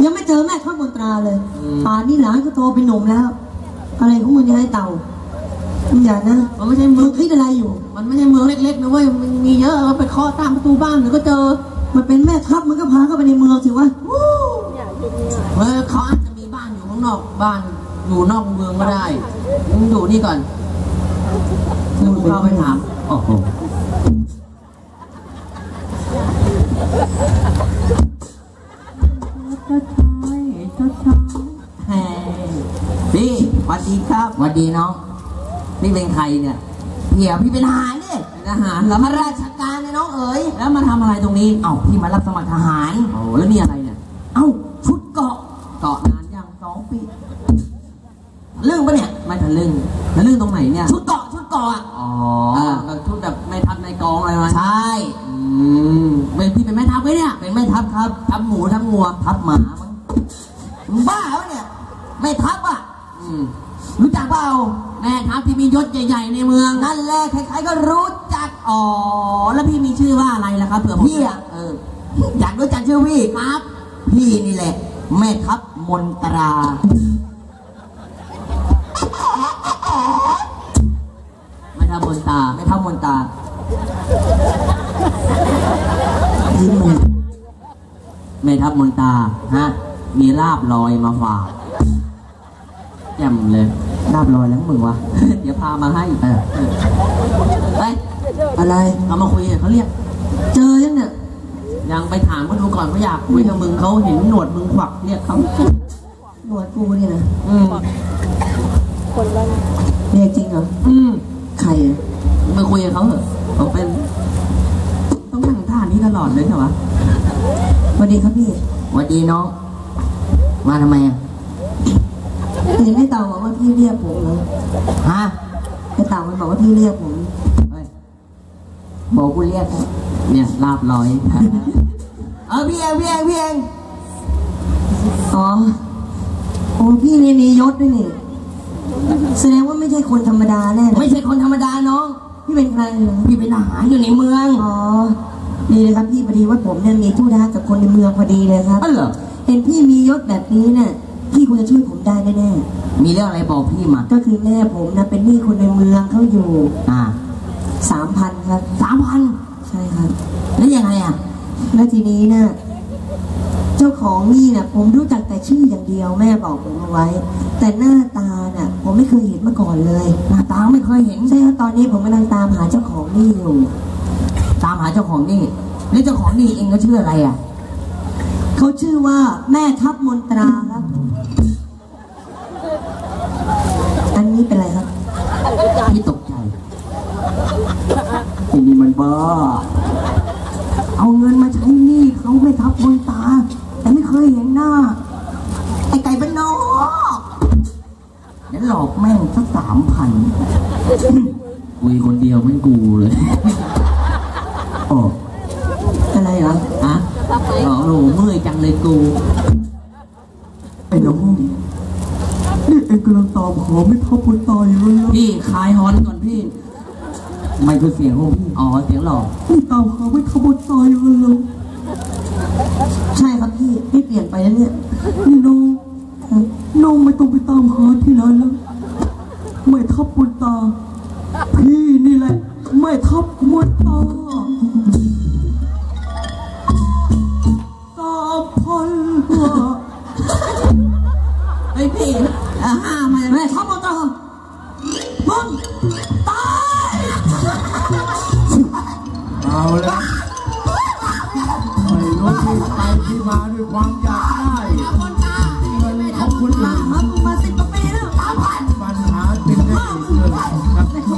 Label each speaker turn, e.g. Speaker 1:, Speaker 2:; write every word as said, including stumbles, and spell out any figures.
Speaker 1: ยังไม่เจอแม่ทัพมนตราเลยป่านนี้หลานก็โตเป็นหนุ่มแล้วอะไรของมึงจะให้เต่ามึงอย่านะมันไม่ใช่เมืองคิดอะไรอยู่มันไม่ใช่เมืองเล็กๆนะเว้ยมันมีเยอะเราไปเคาะตามประตูบ้านมันก็เจอมันเป็นแม่ทัพมันก็พาเข้าไปในเมืองสิวะเฮ้ยเขาอาจจะมีบ้านอยู่ข้างนอกบ้านอยู่นอกเมืองก็ได้มึงอยู่นี่ก่อนมึงเข้าไปถามโอ้โหพี่สวัสดีครับสวัสดีน้องนี่เป็นใครเนี่ยเหี่ยพี่เป็นทหารเนี่ยทหารแล้วมาราชการเนี่ยน้องเอ๋ยแล้วมาทำอะไรตรงนี้เอ้าพี่มารับสมัครทหารโอ้แล้วนี่อะไรเนี่ยเอ้าชุดเกาะเกาะนานยังสองปีเรื่องปะเนี่ยไม่ทะลึ่งทะลึ่งตรงไหนเนี่ยชุดเกาะชุดเกาะอ๋อแบบชุดแบบไม่ทัพในกองอะไรมาใช่อืมเป็นพี่เป็นแม่ทัพไหมเนี่ยเป็นแม่ทัพครับทัพหมูทัพงัวทัพหมามึงบ้าเหรอเนี่ยแม่ทัพอ่ะรู้จักเปล่าแม่ทัพที่มียศใหญ่ๆในเมืองนั่นแหละใครๆก็รู้จักอ๋อแล้วพี่มีชื่อว่าอะไรล่ะครับเผื่อพี่อ่ะเอออยากรู้จักชื่อพี่ครับพี่นี่แหละแม่ทัพมนตราแม่ทัพมนตราแม่ทัพมนตรายิ้มเลยแม่ทัพมนตราฮะมีลาบลอยมาฝากแจ่มเลยลาบลอยแล้วมึงวะ เดี๋ยวพามาให้เออไปอะไรเอามาคุยเขาเรียกเจอยังเนี่ยยังไปถามเขาดูก่อนเขาอยากคุยกับมึงเขาเห็นหนวดมึงขวักเรียกเขาหนวดกูนี่นะอืมคนละเรียกจริงเหรออืมใครไปคุยกับเขาเหรอเขาเป็นต้องนั่งท่านี้ตลอดเลยใช่ปะสวัสดีครับพี่สวัสดีน้องมาทำไมอ่ะเห็นไอ้เต่าบอกว่าพี่เรียกผมเลยฮะไอ้เต่ามันบอกว่าพี่เรียกผมบอกกูเรียกเนี่ยลาบลอยเออพี่เองพี่เองพี่เองอ๋อโอ้พี่นี่มียศด้วยนี่แสดงว่าไม่ใช่คนธรรมดาแน่ไม่ใช่คนธรรมดาน้องพี่เป็นใครเหรอพี่เป็นทหารอยู่ในเมืองอ๋อดีเลยครับพี่พอดีว่าผมเนี่ยมีธุระกับคนในเมืองพอดีเลยครับอ๋อเหรอเห็นพี่มียศแบบนี้เนี่ยพี่ควรจะช่วยผมได้แน่ๆมีเรื่องอะไรบอกพี่มาก็คือแม่ผมนะเป็นหนี้คนในเมืองเขาอยู่อ่าสามพันครับสามพันใช่ครับแล้วยังไงอ่ะแล้วทีนี้นะเจ้าของหนี้เนี่ยผมรู้จักแต่ชื่ออย่างเดียวแม่บอกผมเอาไว้แต่หน้าตาเนี่ยผมไม่เคยเห็นมาก่อนเลยหน้าตาไม่เคยเห็นใช่ครับตอนนี้ผมกำลังตามหาเจ้าของหนี้อยู่ตามหาเจ้าของหนี้แล้วเจ้าของหนี้เองก็ชื่ออะไรอ่ะเขาชื่อว่าแม่ทัพมนตราครับอันนี้เป็นอะไรครับพี่ตกใจทีนี้มันบ้าเอาเงินมาใช้หนี้เขาไม่ทับมนตราแต่ไม่เคยเห็นหน้าไอ้ไก่เป็นนอกเดี๋ยวหลอกแม่งสักสามพันคุยคนเดียวไม่กูเลยโอ้อะไรเหรออะอ๋อโหเมื่อยจังเลยกูไอ้น้องนี่เอ็งกำลังตอบขอไม่ทับคนตายเลยพี่คลายฮอนก่อนพี่ไม่คือเสียงของพี่อ๋อเสียงหล่อนี่ตามขอไม่ทับคนตายเลยใช่ครับพี่พี่เปลี่ยนไปแล้วเนี่ยนี่น้องน้องไม่ต้องไปตามหาที่ไหนแล้วไม่ทับคนตาพี่นี่แหละไม่ทับคนตาพันตัวไอ้พี่ห้ามาแม่ทับมนตรามึงตายเอาละไม่รู้ที่ไปที่มาด้วยความอยากได้เงินของคุณมาครับมาสิบกว่าปีแล้วปัญหาเป็นได้อีกเลยครับ